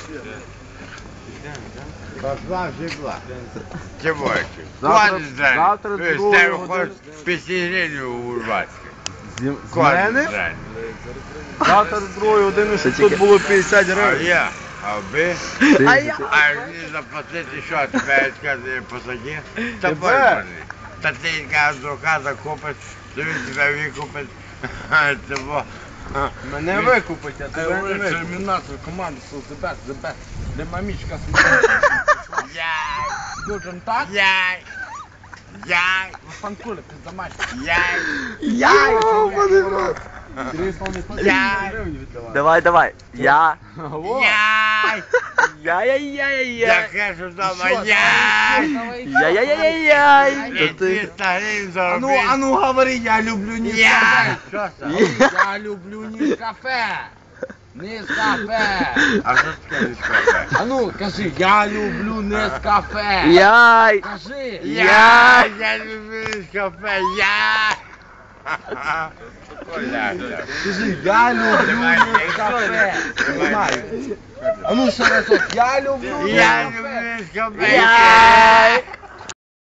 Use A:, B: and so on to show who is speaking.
A: Пошла, жигла. Тимурчик.
B: Завтра
A: Ти
B: другу
A: з тебе
B: годину.
A: хочеш пісігріню урвати.
B: З мене?
A: Жаль.
B: Завтра з другої години, щоб тут було 50
A: А
B: гривень.
A: я, а ви?
B: А я?
A: А мені заплатити що, тебе сказати посаді? Та
B: Тебе?
A: боже. Та ти яка духа закупиш, то він тебе викупить. Того.
B: Мене викупить, а тебе не викупить.
C: Термінатор команди the best, the best. Де мамічка сміє.
A: Яй,
C: Скажем так,
A: яй, яй,
C: фанкули, пиздамать.
A: яй,
B: Яй!
A: яй,
D: Давай. Я.
A: яй.
D: Я.
A: Яке ж вдома, яй.
D: Я.
A: І 300 гривень
C: Ану,
A: заробити.
C: ану, говори, я люблю
A: Яй.
C: Нескафе.
A: Що це?
C: Я люблю Нескафе. Нескафе.
A: А що таке Нескафе?
C: Ану, кажи, я люблю Нескафе.
D: Яй.
C: Кажи.
A: Я люблю Нескафе, я.
C: Кажи, я люблю
A: Давай,
C: Нескафе.
A: давай.
C: Ану, ще разок, я люблю
A: Я
C: Нескафе.
A: люблю Нескафе.
D: Яй.